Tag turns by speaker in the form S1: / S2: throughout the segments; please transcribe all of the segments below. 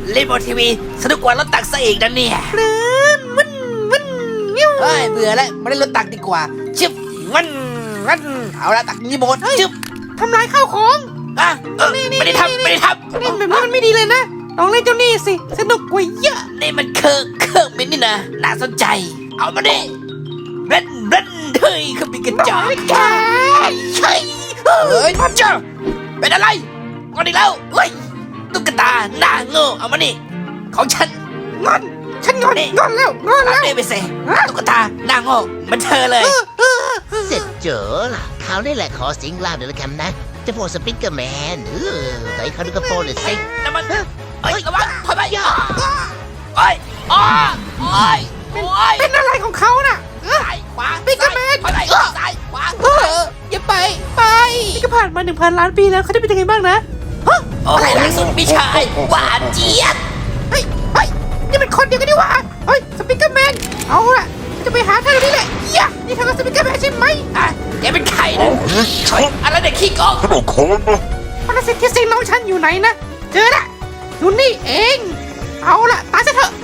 S1: เล่นบนทีวีสนุกกว่ารถตักซะอีกนะเนี่ย
S2: มัน
S1: เฮ้ยเบื่อแล้วมาเล่นรถตักดีกว่าชึบมันเอาละตักนี่หมดชึบ
S2: ทำลายข้าวของ
S1: อ่ะไม่ได้ทำ
S2: เล่นแบบนี้มันไม่ดีเลยนะลองเล่นเจ้านี่สิสนุกกว่าเยอะ
S1: นี่มันเครื่องบินนี่นะน่าสนใจเอามาดิเล่นเฮ้ยเครื่องบินกระจอก
S2: แก
S1: ใช่เฮ้ยเจ้าเป็นอะไรงอนอีกแล้วเฮ้ยตุ๊กตาหน้าโง่เอามานี่ของฉัน
S2: งอนฉันงอนแล้ว
S1: เอาเนี่ยไปเสตุ๊กตาหน้าโง่เหมันเธอเลย
S3: เสร็จเจอล่ะคราวนี้แหละขอสิงล่างเดี๋ยวละกันนะเจะพวกสปิกเกอร์แมนไหนเขาดูกระโปรงหน่อยสิ
S1: น้ำมันเฮ้ยระวังถอยไปโอ้ยโอ้ย
S2: เป็นอะไรของเขาน่ะ
S1: ซ้ายขวา
S2: ปิกาแมน
S1: ถอยไปซ้ายขวา
S2: อย่าไปนี่ก็ผ่านมา 1,000 ล้านปีแล้วเขาจะเป็นยังไงบ้างนะ
S1: โอ้ยหลังสุดพี่ชายหวานเจี๊ยบ
S2: เฮ้ยนี่เป็นคนเดียวกันดีหว่าเฮ้ยสปิกเกอร์แมนเอาล่ะจะไปหาเธอนี่แหละนี่เธอสปิกเกอร์แมนใช่ไหม
S1: อ่ะแกเป็นใครนะเฮ้ยอะไรเด็กขี้โกง
S4: ขนมค้อนนะ
S2: ปรสิตที่สิงน้องฉันอยู่ไหนนะเจอละอยู่นี่เองเอาล่ะตายซะเถอะ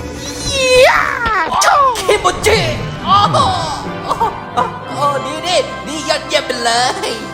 S2: โชว์
S1: คิโมจิโอ้โหดียอดเยี่ยมไปเลย